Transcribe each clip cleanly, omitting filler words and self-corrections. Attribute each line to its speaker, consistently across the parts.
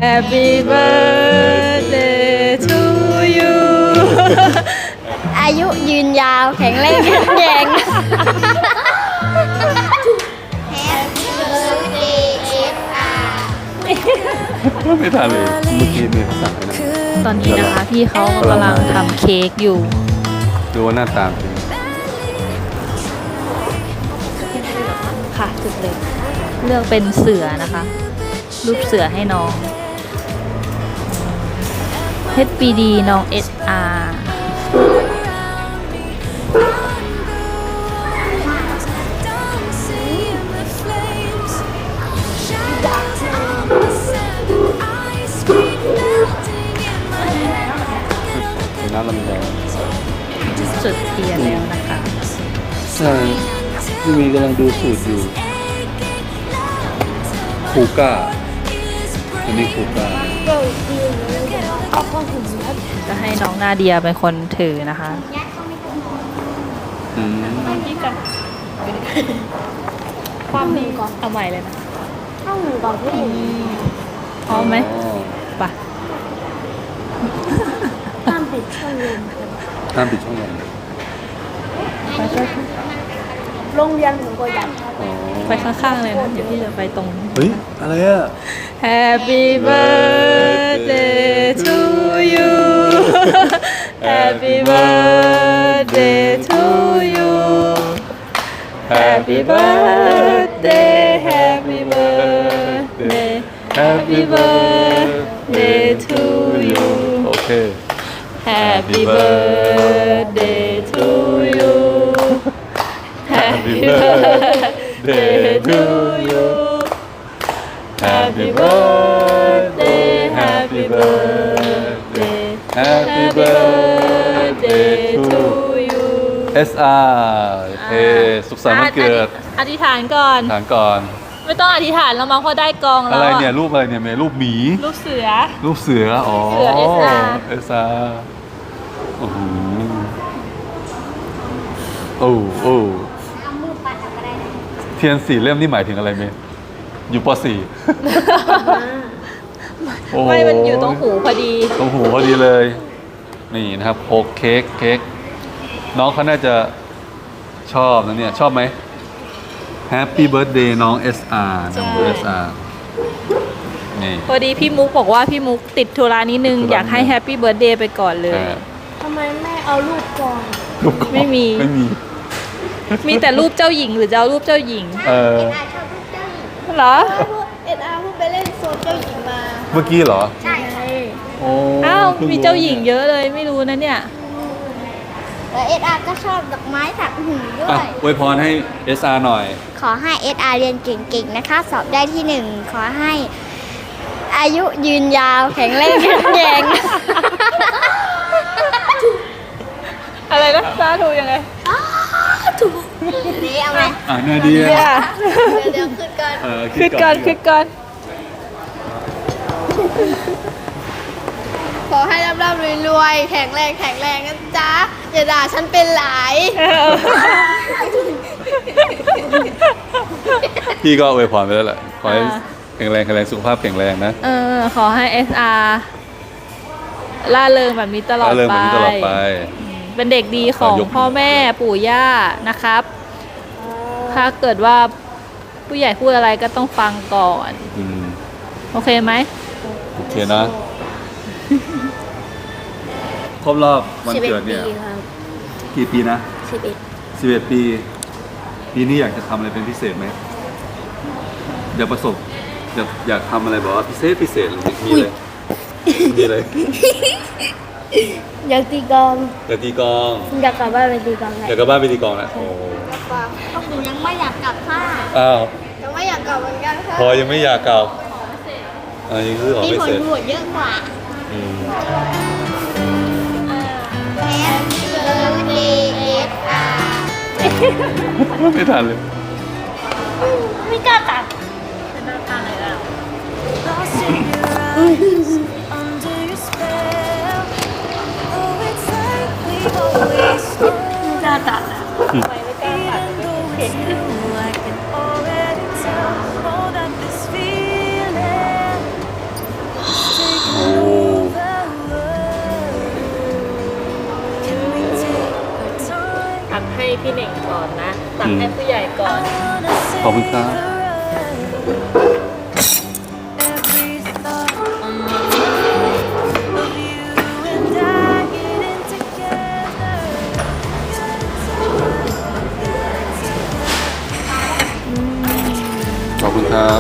Speaker 1: Happy birthday to you
Speaker 2: อายุยืนยาวแข็งแรงแข็งแรง Happy birthday SR
Speaker 3: ไม่ทันเลยเมื่อกี้มีเขาสั่งไปนะ
Speaker 1: ตอนนี้นะคะพี่เขากำลังทำเค้กอยู่
Speaker 3: ดูว่าหน้าตาเป็น
Speaker 1: ค่ะจุดเลยเลือกเป็นเสือนะคะ รูปเสือให้น้อง HBD น้อง SR
Speaker 3: เป็นน้ำลำไย
Speaker 1: จุดเทียนแล้วนะคะ
Speaker 3: ใช่พี่มีกำลังดูสูตรอยู่คูก้าอันนี้คูก้า
Speaker 1: จะให้น้องนาเดียเป็นคนถือนะคะ
Speaker 3: อืม
Speaker 1: ความนี้ก่อนเอาใหม่เลยนะ
Speaker 2: เข้าหนูก่อนพี่
Speaker 1: พร้อมไหม
Speaker 3: อ๋อ
Speaker 1: ไป
Speaker 2: ห้ามปิดช่องลม
Speaker 3: ห้ามปิดช่องลม
Speaker 2: โรงเรียนผมก็อยาก
Speaker 3: อ๋อ
Speaker 1: ไปข้างๆเลยนะเดี๋ยวพี่จะไปตรง
Speaker 3: เฮ้ย อะไรอ่ะ
Speaker 1: Happy birthday to you Happy birthday to you Happy birthday Happy birthday Happy birthday to you
Speaker 3: โอเค
Speaker 1: Happy birthday to you Happy birthday to you Happy birthday Happy birthday Happy birthday to you
Speaker 3: SR โอเค สุขสันต์วันเกิด
Speaker 1: อธิษฐานก่อน
Speaker 3: ถานก่อน
Speaker 1: ไม่ต้องอธิษฐานแล้วมั้งเพราะได้กองแล้
Speaker 3: อะ
Speaker 1: ว
Speaker 3: ไรเนี่ย รูปอะไรเนี่ยเมย์รูปหมี
Speaker 1: ลูกเสือ
Speaker 3: รูปเสือ อ๋อ
Speaker 1: เสือ SR
Speaker 3: SR โอ้โหโอ้โอ้
Speaker 2: เอามือปัดอะไรนะ
Speaker 3: เทียน4 เล่มนี่หมายถึงอะไรเมย์อยู่ป .4 โอ้โห
Speaker 1: ไม่มันอยู่ตรงหูพอดี
Speaker 3: ตรงหูพอดีเลย นี่นะครับโคกเค้กน้องเขาน่าจะชอบนะเนี่ย ชอบไหม Happy Birthday น้อง SR น้อง SR นี่
Speaker 1: พอดีพี่มุกบอกว่าพี่มุกติดธุระนิดนึง
Speaker 3: ติดธุระ
Speaker 1: อยากให้แฮปปี้เบิร์ดเดย์ไปก่อนเลย
Speaker 2: ทำไมไม่เอารูปก่อน
Speaker 3: รูปกรอบ
Speaker 1: ไม่มี
Speaker 3: ไม่มี
Speaker 1: มีแต่รูปเจ้าหญิงหรือจะเอารูปเจ้าหญิง
Speaker 3: เออ
Speaker 2: SR ชอบรูปเจ้าหญิง
Speaker 1: เหรอ
Speaker 2: SR เพิ่งไปเล่นโซนเจ้าหญิงมา
Speaker 3: เมื่อกี้เหรอ
Speaker 2: ใช่
Speaker 3: โอ้
Speaker 1: อ้าว
Speaker 3: พิ่งรู้
Speaker 1: มีเจ้าหญิงเยอะเลยไม่รู้นะเนี่ย
Speaker 2: แล้ว SR ก็ชอบดอกไม้ถักหูด้ว
Speaker 3: อ่ะ
Speaker 2: ย
Speaker 3: อวยพรให้ SR หน่อย
Speaker 2: ขอให้ SR เรียนเก่งๆนะคะ สอบได้ที่ 1 ขอให้อายุยืนยาวแข็งแรงแข็งแรง
Speaker 1: อะไรนะสาธุยังไง
Speaker 2: ถูกนี่เอาไหม
Speaker 3: อ่ะนาเดีย
Speaker 2: เดี๋ยวขึ้นก่อน
Speaker 1: ขึ้นก่อนขึ้นก่อน
Speaker 2: ขอให้ร่ำๆรวยๆแข็งแรงนะจ๊ะอย่าด่าฉันเป็นหลาย
Speaker 3: พี่ก็อวยพรไปแล้วแหละขอให้แข็งแรงสุขภาพแข็งแรงนะ
Speaker 1: ขอให้ SR ล่าเริงแบบนี้ตลอด
Speaker 3: เริ่ม
Speaker 1: ไป
Speaker 3: แบบนี้ตลอดไป
Speaker 1: เป็นเด็กดีของ
Speaker 3: ขอยก
Speaker 1: พ่อแม่ปู่ย่านะครับ ถ้าเกิดว่าผู้ใหญ่พูดอะไรก็ต้องฟังก่อน
Speaker 3: อืม
Speaker 1: โอเคไหม
Speaker 3: โอเคนะ ครบรอบวันเกิดเนี่ย กี่ปีนะ 11 ปี ปีนี้อยากจะทำอะไรเป็นพิเศษไหมอยากประสบอยากทำอะไรแบบว่าพิเศษหรือมีเลยมีเลย
Speaker 2: อยากตีกอง
Speaker 3: อยากตีกลอง
Speaker 2: อยากกลับบ้านไปตีกองเลย
Speaker 3: อยากกลับบ้านไปตีกลองนะโอ้
Speaker 2: ต้องหนูยังไม่อยากกลับค่ะ
Speaker 3: อ้าว
Speaker 2: ยังไม่อยากกลับเหมือนกันค่ะ
Speaker 3: พอยังไม่อยากกลับอันนี้คือของ
Speaker 2: มี
Speaker 3: พิ
Speaker 2: ผ
Speaker 3: เศ
Speaker 2: ล
Speaker 3: ษ
Speaker 2: บวชเยอะกว่า
Speaker 3: อืม
Speaker 2: Happy birthday SR
Speaker 3: ไม่ทันเลย
Speaker 2: ไม่กล้าตัด
Speaker 1: น่าตัดอะ
Speaker 3: อ
Speaker 1: พี่เน่งก่อนนะตักให้ผู้ใหญ่ก่อน
Speaker 3: ขอบคุณครับขอบคุณครับ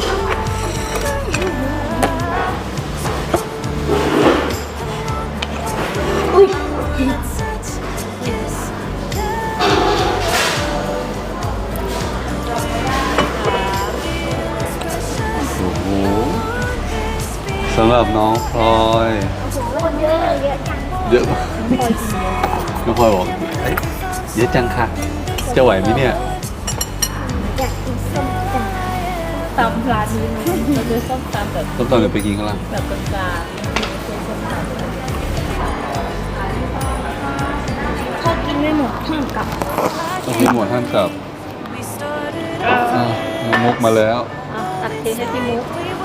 Speaker 3: โอ้โหสำหรับน้องพลอยเยอะมากน้องพลอยบอกเอ้ยเยอะจังค่ะ จะไหวไหมเนี่ย
Speaker 2: อยากกินส้มตำ
Speaker 1: ตำร้านนี้เราจะส้มตำแบบ
Speaker 3: ต้องตอนเดี๋ยวไปกินข้างล่าง
Speaker 1: แบบกลาง
Speaker 2: ถ้ากินไม่หมดห้ามกลับ
Speaker 3: ต้องกินหมดท่านกลับอ่ะมุกมาแล้ว
Speaker 1: ๆตักเทให้พี่มุก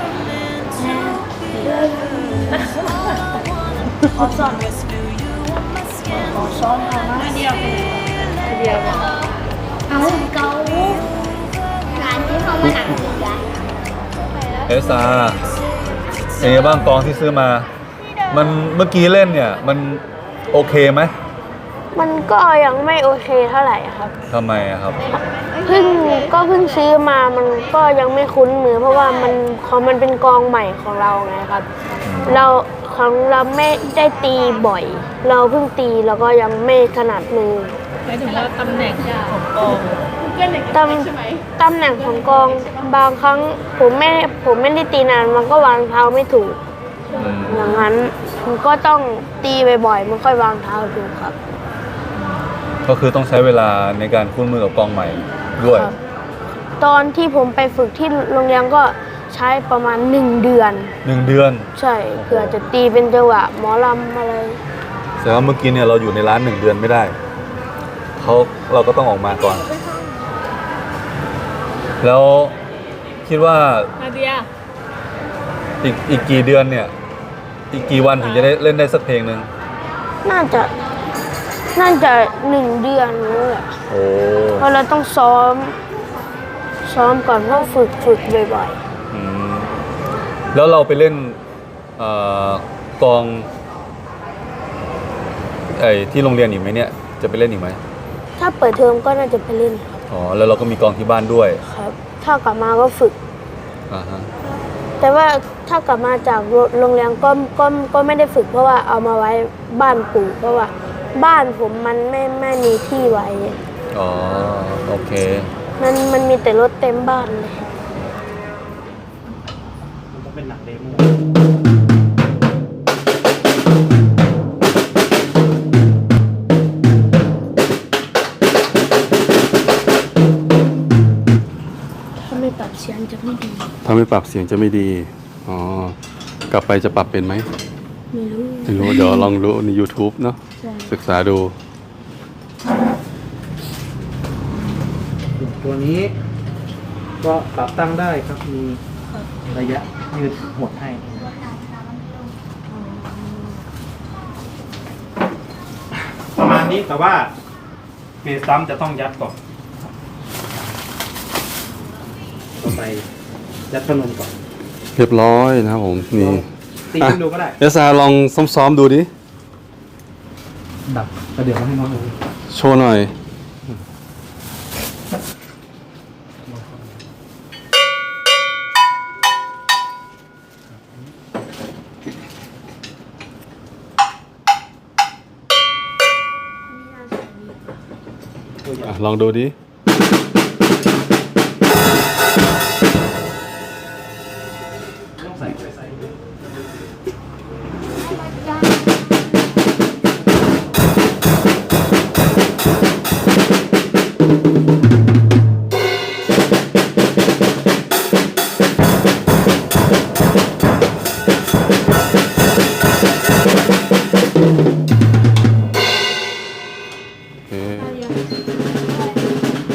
Speaker 2: ขอสอนขอซ้อนเอามาเดียว
Speaker 1: เดียว
Speaker 2: เอาเการ้านที่เขามาหนังสือกัน
Speaker 3: เอสาเป็นไงบ้างกองที่ซื้อมา มันเมื่อกี้เล่นเนี่ย มันโอเคไหม
Speaker 4: มันก็ยังไม่โอเคเท่าไหร่อะครับ
Speaker 3: ทำไมอะครับ
Speaker 4: เพิ่งซื้อมามันก็ยังไม่คุ้นมือ เพราะว่ามันเป็นกองใหม่ของเราไงครับ เราไม่ได้ตีบ่อย เราเพิ่งตีแล้วก็ยังไม่ถนัดมือ
Speaker 1: หมายถึงว่าตำแหน่งของกอง
Speaker 4: ตำแหน่งของกองบางครั้งผมไม่ได้ตีนานมันก็วางเท้าไม่ถูก อย่างนั้นมันก็ต้องตีบ่อยๆมันค่อยวางเท้าถูกครับ
Speaker 3: ก็คือต้องใช้เวลาในการคุ้นมือกับกองใหม่ด้วย
Speaker 4: ครับ ตอนที่ผมไปฝึกที่โรงเรียนก็ใช้ประมาณ1 เดือน
Speaker 3: 1 เดือน
Speaker 4: ใช่เพื่อจะตีเป็นจังหวะหมอลำอะไร
Speaker 3: แต่ว่าเมื่อกี้เนี่ยเราอยู่ในร้าน 1 เดือนไม่ได้เราก็ต้องออกมาก่อน แล้วคิดว่า
Speaker 1: นาเดีย
Speaker 3: อีกกี่เดือนเนี่ย อีกกี่วันถึงจะได้เล่นได้สักเพลงหนึ่ง
Speaker 4: น่าจะ1 เดือนนี่แหละ
Speaker 3: โอ้
Speaker 4: เพราะเราต้องซ้อมก่อนต้องฝึกบ่อย
Speaker 3: อืมแล้วเราไปเล่นกองที่โรงเรียนอีกไหมเนี่ย จะไปเล่นอีกไหม
Speaker 4: ๆถ้าเปิดเทอมก็น่าจะไปเล่นครับ
Speaker 3: อ๋อแล้วเราก็มีกองที่บ้านด้วย
Speaker 4: ครับ ถ้ากลับมาก็ฝึก
Speaker 3: อ่าฮะ
Speaker 4: แต่ว่าถ้ากลับมาจากโรงเรียนก็ไม่ได้ฝึกเพราะว่าเอามาไว้บ้านปู่เพราะว่าบ้านผมมันไม่มีที่ไว้
Speaker 3: อ๋อโอเค
Speaker 4: มันมีแต่รถเต็มบ้านเลย
Speaker 5: เป็นหนังเดโม
Speaker 4: ถ้าไม่ปรับเสียงจะไม่ดี
Speaker 3: ถ้าไม่ปรับเสียงจะไม่ดี อ๋อ กลับไปจะปรับเป็นไหม
Speaker 4: ไม่รู้
Speaker 3: ไม่รู้ เดี๋ยวลองดูใน YouTube เนาะ
Speaker 4: ใช่
Speaker 3: ศึกษาดู
Speaker 5: ตัวนี้ก็ปรับตั้งได้ครับ มีระยะยืดหดให้ ประมาณนี้แต่ว่าเบสซ้ำจะต้องยัดก่อนต่อไปยัดพนมก่อน
Speaker 3: เรียบร้อยนะครับผม นี่
Speaker 5: ตีขึ้นดูก็ได้
Speaker 3: เอสอาลองซ้อมๆดูดิ
Speaker 5: ดับแล้วเดี๋ยวมาให้น้องดู
Speaker 3: โชว์หน่อย ลองดูดิ
Speaker 5: ต้องใส่ไปใส่
Speaker 3: โอเค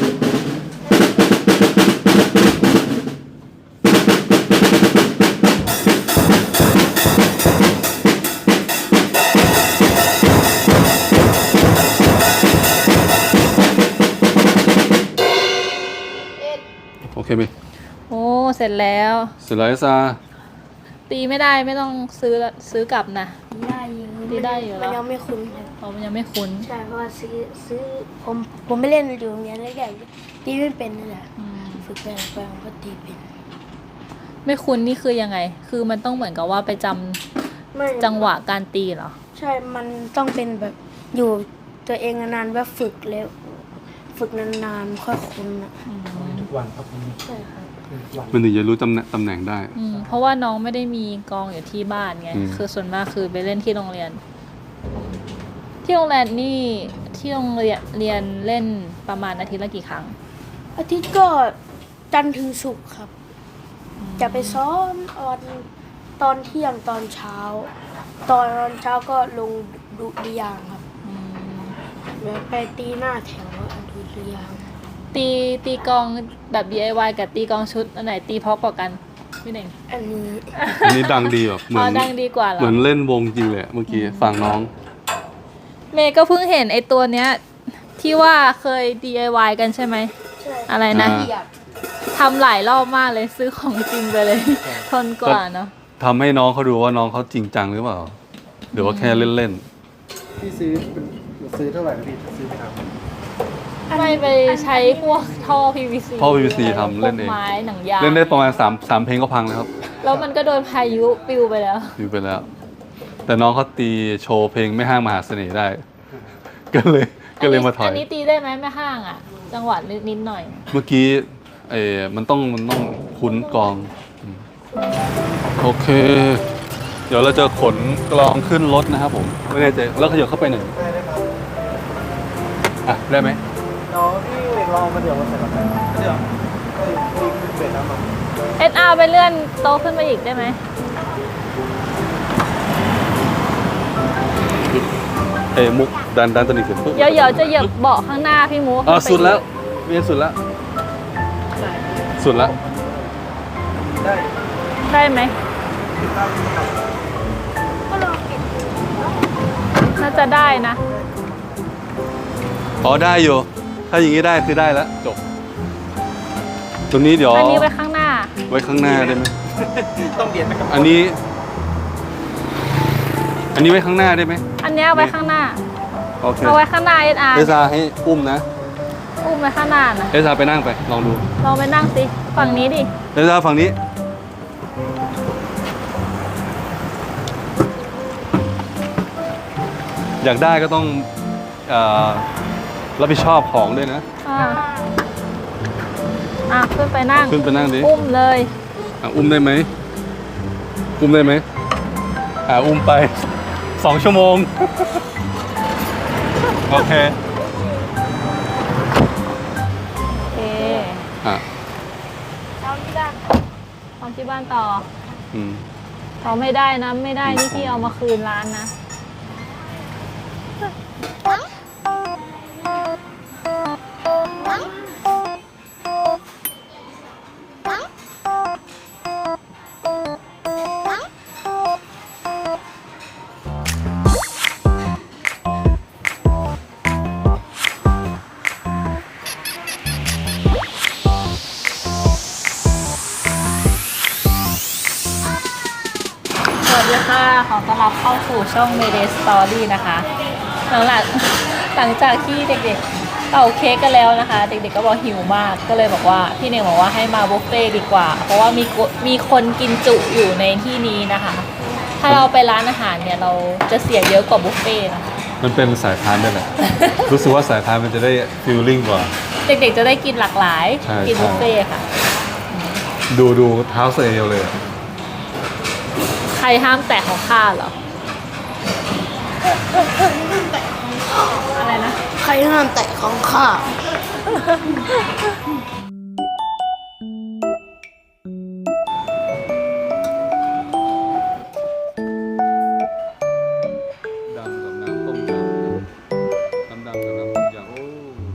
Speaker 3: เคไหม
Speaker 1: โอ้เสร็จแล้ว
Speaker 3: เสร็จแล้วเอสอา
Speaker 1: ตีไม่ได้ไม่ต้องซื้อกลับนะ
Speaker 4: ได้อยู่
Speaker 1: ตีได้อยู่แล้ว
Speaker 4: มันยังไม่คุ้นครับ
Speaker 1: เพราะมันยังไม่คุ้น
Speaker 4: ใช่เพราะว่าซื้อผมไม่เล่นอยู่โรงเรียนแรกๆตีไม่เป็นนั่นแหละ
Speaker 1: อืม
Speaker 4: ฝึกไปผมก็ตีเป็น
Speaker 1: ไม่คุ้นนี่คือยังไง คือมันต้องเหมือนกับว่าไปจำ
Speaker 4: ไม่
Speaker 1: จังหวะการตีเหรอ
Speaker 4: ใช่มันต้องเป็นแบบอยู่ตัวเองนานๆว่าฝึกแล้วฝึกนานๆค่อยคุ้นอ่ะ
Speaker 5: ทุกวันครับ
Speaker 4: ใช่ครับ
Speaker 5: ทุกวัน
Speaker 3: มันถึงจะรู้ตำแหน่งได้
Speaker 1: เพราะว่าน้องไม่ได้มีกองอยู่ที่บ้านไง
Speaker 3: อืม
Speaker 1: คือส่วนมากคือไปเล่นที่โรงเรียน ที่โรงเรียนนี่ที่โรงเรียนเล่นประมาณอาทิตย์ละกี่ครั้ง
Speaker 4: อาทิตย์ก็จันทร์ถึงศุกร์ครับ จะไปซ้อมตอนเที่ยงตอนเช้า ตอนเช้าก็ลงดุริยางค์ครับแล้วไปตีหน้าแถวดุริยางค์
Speaker 1: ตีกองแบบ DIY กับตีกองชุดอันไหนตีเพราะกว่ากันพี่เน่ง
Speaker 4: อันนี้
Speaker 3: อันนี้ดังดีแบบเหมื
Speaker 1: อ๋
Speaker 3: อ
Speaker 1: อน ดังดีกว่าเหรอ
Speaker 3: เหมือนเล่นวงจริงเลยเมื่อกี้ฟังน้อง
Speaker 1: เมย์ก็เพิ่งเห็นไอตัวเนี้ย ที่ว่าเคย DIY กันใช่ไหม
Speaker 4: ใช่
Speaker 1: อะไรนะ
Speaker 3: อ่า
Speaker 1: ทำหลายรอบมากเลยซื้อของจริงไปเลย ทนกว่าเนาะ
Speaker 3: ทำให้น้องเขาดูว่าน้องเขาจริงจังหรือเปล่าหรือว่าแค่เล่น
Speaker 5: พี่ซื้อเท่าไหร่นะพี่ซื้อไปทำ
Speaker 1: ไม่ไปใช้พวกท่อ PVC
Speaker 3: ท่อ PVC ทำเล่นเอง
Speaker 1: พวกไม้หนังยาง
Speaker 3: ๆ เล่นได้ประมาณ3เพลงก็พังแล้วครับ
Speaker 1: แล้วมันก็โดนพายุปลิวไปแล้ว
Speaker 3: อยู่ไปแล้ว แต่น้องเขาตีโชว์เพลงไม่ห้างมหาเสน่ห์ได้ ก็เลยมาถอย
Speaker 1: อันนี้ตีได้ไหมแม่ห้างอ่ะ จังหวะนิดหน่อย
Speaker 3: เมื่อกี้มันต้องคุ้นกลองอืมโอเค เดี๋ยวเราจะขนกลองขึ้นรถนะครับผมไม่แน่ใจแล้วขยับเข้าไปหนึ่งอ่ะได้ไหม
Speaker 5: น้องพี่ลองมาเดี๋ยวมาใส่กับแฟนเดี๋ยวตีเป็นน้ำมัน
Speaker 1: SR ไปเลื่อนโต๊ะขึ้นมาอีกได้ไหม
Speaker 3: มุกดันตัวนี้ขึ้นปุ๊บ
Speaker 1: เดี๋ยวจะเหยียบเบาะข้างหน้าพี่มู
Speaker 3: อ่ะสุดแล้วเวียนสุดแล้ว สุดแล้ว
Speaker 5: ได้
Speaker 1: ได้ไหมน่าจะได้นะ
Speaker 3: อ๋อได้อยู่ ถ้าอย่างนี้ได้คือได้แล้วจบ ตรงนี้เดี๋ยว
Speaker 1: อันนี้ไว้ข้างหน้า
Speaker 3: ไว้ข้างหน้าได้ไหม
Speaker 5: ต้องเบียดไปกับ
Speaker 3: อันนี้ไว้ข้างหน้าได้ไหม
Speaker 1: อันเนี้ยไว้ข้างหน้า
Speaker 3: โอเค
Speaker 1: เอาไว้ข้างหน้า SR
Speaker 3: เอสาให้อุ้มนะ
Speaker 1: อุ้มไว้ข้างหน้านะ
Speaker 3: เอสาไปนั่งไปลองดู
Speaker 1: ลองไปนั่งสิ ฝั่งนี้ดิ
Speaker 3: เอสาฝั่งนี้ อยากได้ก็ต้องรับผิดชอบของด้วยนะ
Speaker 1: ขึ้นไปนั่ง
Speaker 3: ขึ้นไปนั่งดิ
Speaker 1: อุ้มเลย
Speaker 3: อุ้มได้ไหมอุ้มได้ไหมอุ้มไป 2 ชั่วโมง โอเค
Speaker 1: โอเค
Speaker 3: อ่ะ
Speaker 1: เอาที่บ้านเอาที่บ้านต่อ
Speaker 3: อืม
Speaker 1: เอาไม่ได้นะ ไม่ได้นี่พี่เอามาคืนร้านนะ สวัสดีค่ะ ขอต้อนรับเข้าสู่ช่อง Mayday Story นะคะ หลังจากที่เด็กๆเป่าเค้กกันแล้วนะคะ เด็กๆก็บอกหิวมาก ก็เลยบอกว่าพี่เน่งบอกว่าให้มาบุฟเฟ่ต์ดีกว่า เพราะว่ามีคนกินจุอยู่ในที่นี้นะคะ ถ้าเราไปร้านอาหารเนี่ยเราจะเสียเยอะกว่าบุฟเฟ่ต์นะคะ
Speaker 3: มันเป็นสายพานด้วยแหละ รู้สึกว่าสายพานมันจะได้ฟีลลิ่งกว่า
Speaker 1: เด็กๆจะได้กินหลากหลาย
Speaker 3: ใช่
Speaker 1: กินบุฟเฟ่ต์ค่ะ
Speaker 3: ดูเท้าเซลเลยอะ
Speaker 1: ใครห้ามแตะของข้าเหรอ อะไรนะ
Speaker 4: ใครห้ามแตะของข้า
Speaker 3: ดำกับน้ำต้มยำดำกับน้ำต้มยำโอ้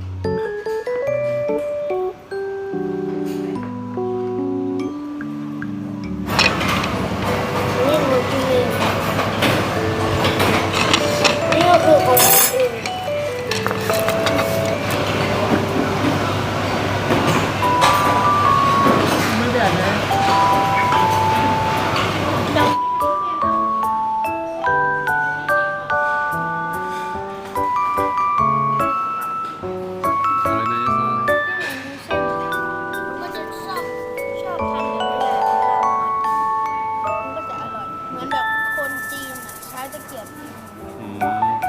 Speaker 4: นี่หนูกินเองนี่ก็คือของผมเอง
Speaker 2: ช้ตะเกียบ
Speaker 3: อืม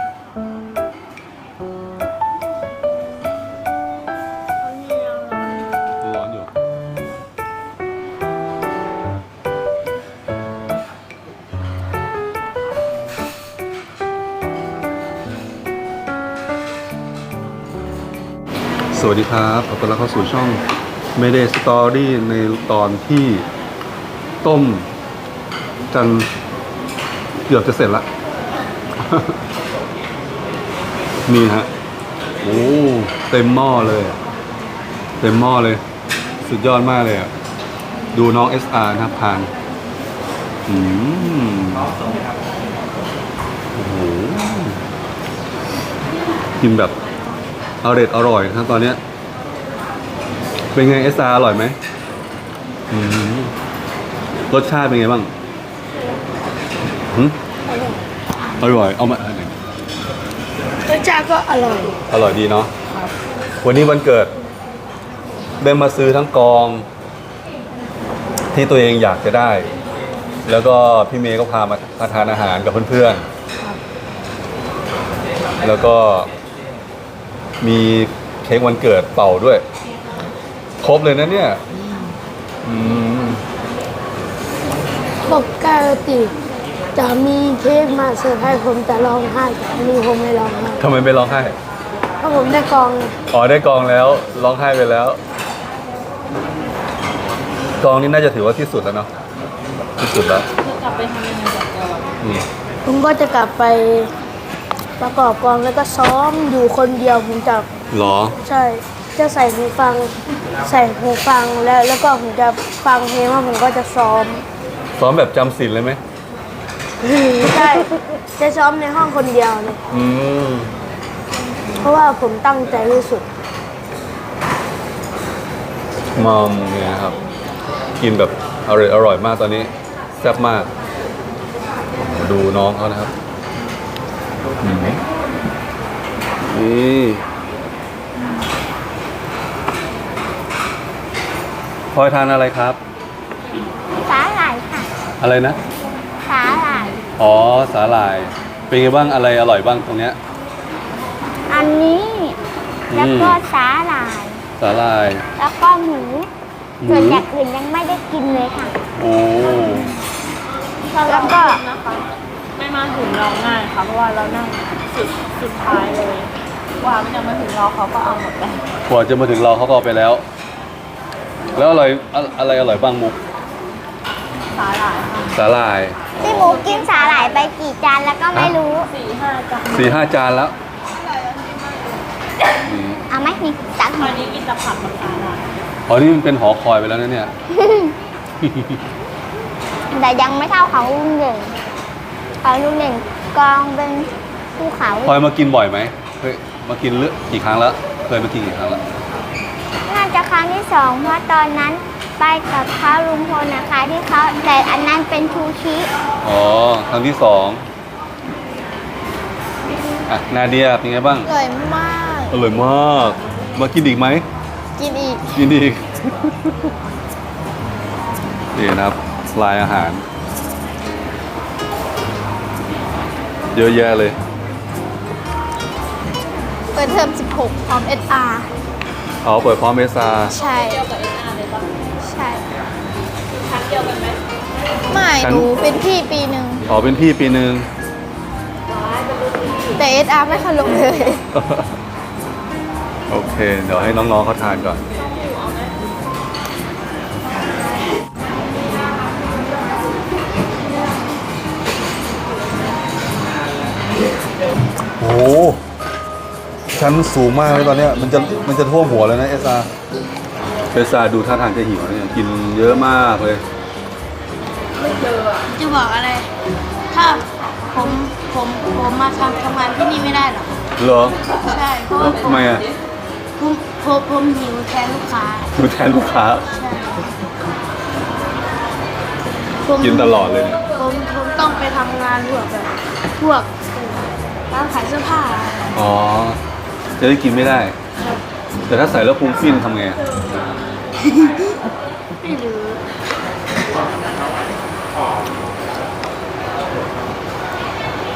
Speaker 3: ร้อนอยู่ สวัสดีครับขอต้อนรับเข้าสู่ช่อง Mayday Story ในตอนที่ต้มจนเกือบจะเสร็จละ นี่ฮะ โอ้เต็มหม้อเลยอะเต็มหม้อเลย สุดยอดมากเลยอ่ะ ดูน้อง SR นะครับทานโอ้โหกินแบบอร่อยนะครับตอนเนี้ยเป็นไง SR อร่อยไหมรสชาติเป็นไงบ้างอร่อย เอามา
Speaker 4: รสชาติก็อร่อย
Speaker 3: อร่อยดีเนาะวันนี้วันเกิดได้มาซื้อทั้งกองที่ตัวเองอยากจะได้ แล้วก็พี่เมย์ก็พามาทานอาหารกับเพื่อนๆแล้วก็มีเค้กวันเกิดเป่าด้วย ครบเลยนะเนี่ย
Speaker 4: ปกติจะมีเค้กมาเซอร์ไพรส์ผมแต่ร้องไห้แต่อันนี้ผมไม่ร้องไห้
Speaker 3: ทำไมไม่ร้องไห้
Speaker 4: เพราะผมได้กอง
Speaker 3: อ๋อได้กองแล้วร้องไห้ไปแล้ว กองนี้น่าจะถือว่าที่สุดแล้วเนาะที่สุดแล้ว
Speaker 1: จะกลับไปทำยังไงกับเรา
Speaker 4: ผมก็จะกลับไปประกอบกองแล้วก็ซ้อมอยู่คนเดียวผมจะ
Speaker 3: หรอ
Speaker 4: ใช่จะใส่หูฟังแล้วก็ผมจะฟังเพลงแล้วผมก็จะซ้อม
Speaker 3: ซ้อมแบบจำศีลเลยไหม
Speaker 4: ใช่จะซ้อมในห้องคนเดียวเลย เพราะว่าผมตั้งใจที่สุด
Speaker 3: มอมเนี่ยครับ กินแบบอร่อยมากตอนนี้แซ่บมากดูน้องเขานะครับนี่พลอยทานอะไรครับ
Speaker 2: สาหร่ายค่ะ
Speaker 3: อะไรนะ
Speaker 2: สาหร่าย
Speaker 3: อ๋อสาหร่าย เป็นไงบ้างอะไรอร่อยบ้างตรงเนี้ย
Speaker 2: อันนี้แล้วก็สาหร่าย
Speaker 3: สาหร่าย
Speaker 2: แล้วก็หมูส่วนอย่างอื่นยังไม่ได้กินเลยค่ะ
Speaker 3: โอ้
Speaker 2: แล้วก็
Speaker 1: นะคะไม่มาถึงเราง่ายค่ะเพราะว่าเรานั่งสุดท้ายเลยว่ามันยังมาถึงเราเขาก็เอาหมดไป
Speaker 3: กว่าจะมาถึงเราเขาก็เอาไปแล้ว แล้วอะไรอร่อยบ้างมุก
Speaker 1: สาหร่ายค่ะ
Speaker 3: สาหร่าย
Speaker 2: พี่หมูกินสาหร่ายไปกี่จานแล้วก็ไม่รู้
Speaker 1: 4-5 จาน
Speaker 3: 4-5 จานแล้ว
Speaker 2: เอาไหมนี่ตัก
Speaker 1: ตอนนี้กินแต่ผักกับสาหร่าย
Speaker 3: อ๋อนี่มันเป็นหอคอยไปแล้วนะเนี่ย
Speaker 2: แต่ยังไม่เท่าของลุงหนึ่งของลุงหนึ่งกองเป็นภูเขา
Speaker 3: พลอยมากินบ่อยไหมเคยมากินกี่ครั้งแล้ว เคยมากินกี่ครั้งแล้ว
Speaker 2: น่าจะครั้งที่สองเพราะตอนนั้นไปกับเขาลุงพลนะคะที่เขาแต่อันนั้นเป็นทูชิ
Speaker 3: อ๋อ ครั้งที่ 2อ่ะนาเดียเป็นไงบ้าง
Speaker 2: อร่อยมาก
Speaker 3: อร่อยมาก มากินอีกไหม
Speaker 2: กินอีก
Speaker 3: กินอีก นี่นะครับลายอาหาร เยอะแยะเลย
Speaker 2: เปิดเทอม16พร้อม SR
Speaker 3: เอาเปิดพร้อมเอสา
Speaker 2: ใช่
Speaker 1: เดียวกับ SR เลยปะ
Speaker 2: ใช่
Speaker 1: ชั้นเดียวกันไหม
Speaker 2: ไม่หนูเป็นพี่ปีหนึ่ง
Speaker 3: อ๋อเป็นพี่ปีหนึ่ง
Speaker 2: แต่ SR ไม่เคยลงเลย
Speaker 3: โอเค เดี๋ยวให้น้องๆเขาทานก่อน โอ้โหชั้นสูงมากเลยตอนเนี้ยมันจะท่วมหัวเลยนะเอสอาดูท่าทางจะหิวนะเนี่ยกินเยอะมากเลย
Speaker 4: จะบอกอะไร ถ้าผมมาทำงานที่นี่ไม่ได้หรอก
Speaker 3: เหรอ
Speaker 4: ใช่เพราะว่า
Speaker 3: ทำไมอ่ะ
Speaker 4: ผมหิวแทนลูกค้า
Speaker 3: ดูแทนลูกค้า
Speaker 4: ใช่ผม
Speaker 3: กินตลอดเลยเนี่ย
Speaker 4: ผมต้องไปทำงานพวกร้านขายเสื้อผ้า
Speaker 3: อ๋อ จะได้กินไม่ได้ แต่ถ้าใส่แล้วพุงฟินทำไงอะ
Speaker 4: ไม่รู้
Speaker 3: อ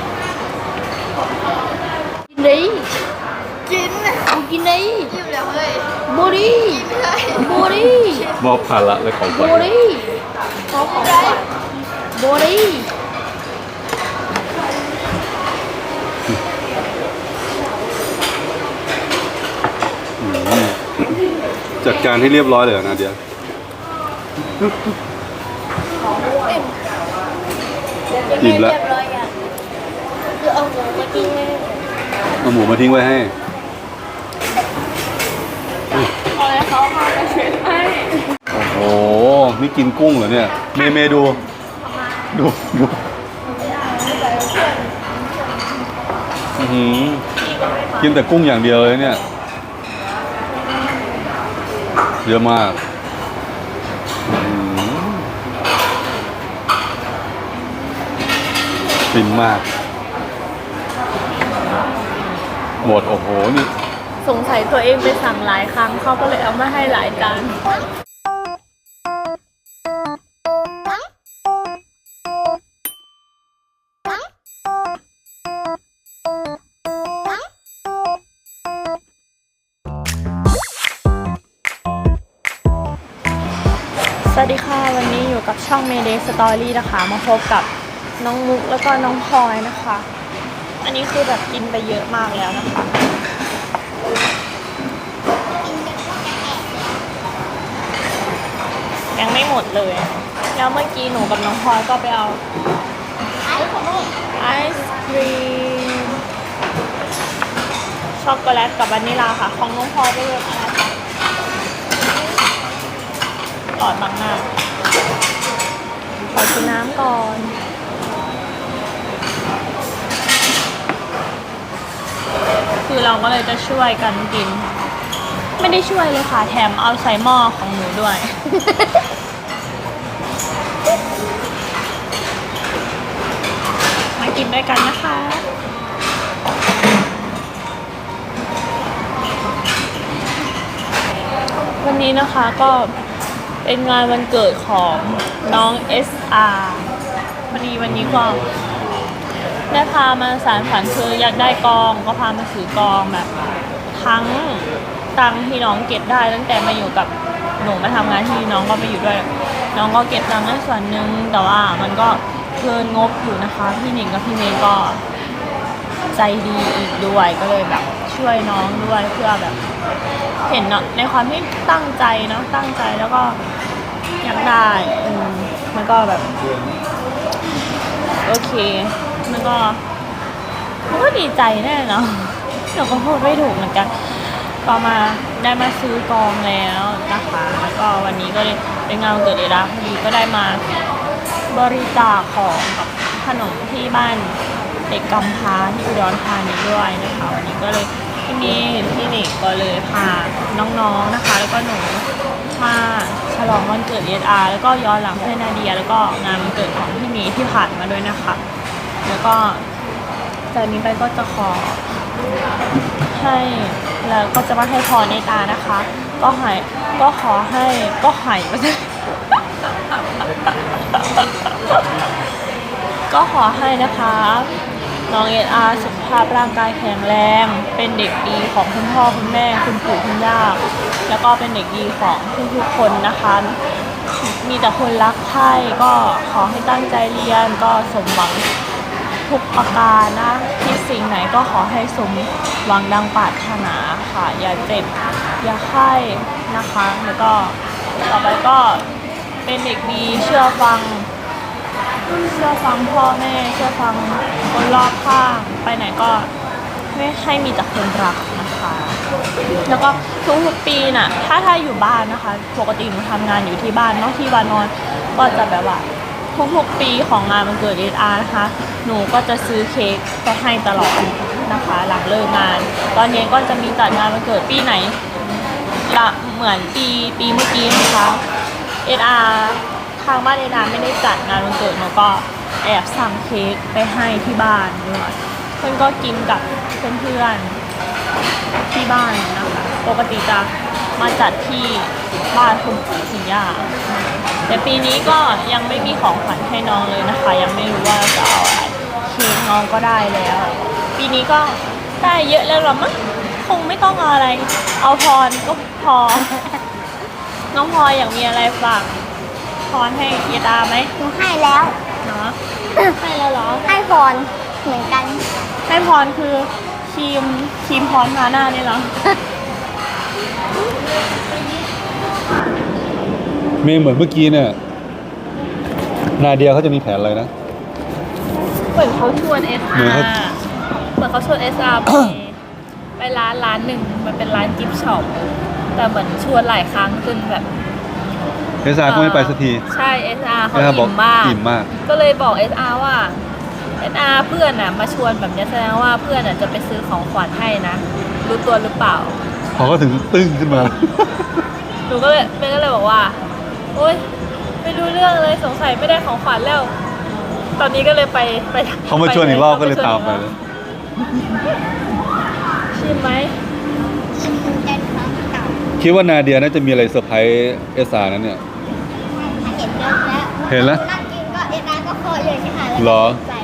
Speaker 4: บุรีบุรี
Speaker 3: มอบภาระและของขวัญ
Speaker 4: บุรีบุรี
Speaker 3: จัดการให้เรียบร้อยเลยเหรอนาเดียอิ่มแล้วเอาหมูมาทิ้งไว้ให้โอ้โหนี่กินกุ้งเหรอเนี่ยเมย์ดูอื้อหือกินแต่กุ้งอย่างเดียวเลยเนี่ยเยอะมากฟินมากหมดโอ้โหนี่
Speaker 1: สงสัยตัวเองไปสั่งหลายครั้งเขาก็เลยเอามาให้หลายจาน สวัสดีค่ะวันนี้อยู่กับช่อง Mayday Story นะคะมาพบกับน้องมุกแล้วก็น้องพลอยนะคะ อันนี้คือแบบกินไปเยอะมากแล้วนะคะยังไม่หมดเลยแล้วเมื่อกี้หนูกับน้องพลอยก็ไปเอาไอศครีมช็อกโกแลตกับวานิลาค่ะของน้องพลอยได้เลยอะไรคะหลอดบางหน้าขอกินน้ำก่อนคือเราก็เลยจะช่วยกันกินไม่ได้ช่วยเลยค่ะแถมเอาใส่หม้อของหนูด้วย มากินด้วยกันนะคะวันนี้นะคะก็เป็นงานวันเกิดของน้อง SR พอดีวันนี้ก็ได้พามาสารฝันคืออยากได้กองก็พามาซื้อกองแบบทั้งตังค์ที่น้องเก็บได้ตั้งแต่มาอยู่กับหนูมาทำงานที่น้องก็ไปอยู่ด้วยน้องก็เก็บตังค์ได้ส่วนหนึ่งแต่ว่ามันก็เกินงบอยู่นะคะพี่หนิงกับพี่เมย์ก็ใจดีอีกด้วยก็เลยแบบช่วยน้องด้วยเพื่อแบบเห็นเนาะในความที่ตั้งใจเนาะตั้งใจแล้วก็อยากได้มันก็แบบโอเคมันก็ดีใจแน่เนาะเราก็พูดไม่ถูกเหมือนกันก็มาได้มาซื้อกองแล้วนะคะแล้วก็วันนี้ก็เลยเป็นงานวันเกิดเอดาพอดีก็ได้มาบริจาคของกับขนมที่บ้านเด็กกำพร้าที่อุดรธานีด้วยนะคะวันนี้ก็เลยพี่เมย์พี่หนิงก็เลยพาน้องๆนะคะแล้วก็หนูมาฉลองวันเกิดเอดาแล้วก็ย้อนหลังเพื่อนนาเดียแล้วก็งานวันเกิดของพี่เมย์ที่ผ่านมาด้วยนะคะแล้วก็จากนี้ไปก็จะขอให้แล้วก็จะมาให้พรในตานะคะก็ขอให้นะคะน้องSRสุขภาพร่างกายแข็งแรงเป็นเด็กดีของคุณพ่อคุณแม่คุณปู่คุณย่าแล้วก็เป็นเด็กดีของทุกๆคนนะคะมีแต่คนรักใคร่ก็ขอให้ตั้งใจเรียนก็สมหวังทุกประการนะที่สิ่งไหนก็ขอให้สมหวังดังปรารถนาค่ะอย่าเจ็บอย่าไข้นะคะแล้วก็ต่อไปก็เป็นเด็กดีเชื่อฟังพ่อแม่เชื่อฟังคนรอบข้างไปไหนก็ไม่ให้มีแต่คนรักนะคะแล้วก็ทุกปีน่ะถ้าอยู่บ้านนะคะปกติหนูทำงานอยู่ที่บ้านเนาะที่วานอนก็จะแบบว่าทุกปีของงานวันเกิดSRนะคะหนูก็จะซื้อเค้กไปให้ตลอดนะคะหลังเลิกงานตอนเย็นก็จะมีจัดงานวันเกิดปีไหนละเหมือนปีเมื่อกี้นะคะSRทางบ้านSRไม่ได้จัดงานวันเกิดหนูก็แอบสั่งเค้กไปให้ที่บ้านด้วยเพื่อนก็กินกับเพื่อนๆที่บ้านนะคะปกติจะมาจัดที่บ้านคุณปู่คุณย่าแต่ปีนี้ก็ยังไม่มีของขวัญให้น้องเลยนะคะยังไม่รู้ว่าจะเอาอะไรเค้กน้องก็ได้แล้วปีนี้ก็ได้เยอะแล้วหรอมั้งคงไม่ต้องเอาอะไร เอาพรก็พอ น้องพลอยอยากมีอะไรฝากพรให้เยดาไหม
Speaker 2: หนูให้แล้ว
Speaker 1: เนาะให้แล้วเหรอ
Speaker 2: ให้พรเหมือนกัน
Speaker 1: ให้พรคือครีมพรทาหน้านี่เหรอ
Speaker 3: เมย์เหมือนเมื่อกี้เนี่ย นาเดียเขาจะมีแผนอะไรนะ
Speaker 1: เหมือนเขาชวน
Speaker 3: เหมือน
Speaker 1: SR
Speaker 3: เขา
Speaker 1: เหมือนเขาชวน SR ไปร้านหนึ่งมันเป็นร้านกิฟต์ช็อปแต่เหมือนชวนหลายครั้งจนแบบ
Speaker 3: เอสอาก็ไม่ไปสักที
Speaker 1: ใช่ SR เขา
Speaker 3: SR บอก
Speaker 1: อิ่มมาก
Speaker 3: อิ่มมาก
Speaker 1: ก็เลยบอก SR ว่า SR เพื่อนน่ะมาชวนแบบเนี้ยแสดงว่าเพื่อนน่ะจะไปซื้อของขวัญให้นะ รู้ตัวหรือเปล่า
Speaker 3: พอเขาถึงตึ้งขึ้นมา
Speaker 1: หนูก็เลยเมย์ก็เลยบอกว่า โอ๊ยไม่รู้เรื่องเลยสงสัยไม่ได้ของขวัญแล้ว ตอนนี้ก็เลยไป
Speaker 3: เขามาชวนอีกรอบก็เลยตามไปเลย
Speaker 1: ชิมไหม
Speaker 2: เป็นครั้งเก่า
Speaker 3: คิดว่านาเดียน่าจะมีอะไรเซอร์ไพรส์เอสอานั้นเนี่ย
Speaker 2: เห็นเยอะแล้ว
Speaker 3: เห็นแล้ว
Speaker 2: นั่งกินก็เอ็นอาร์ก็เคาะเลยใช่ไหม
Speaker 3: เหรอ
Speaker 2: ใจ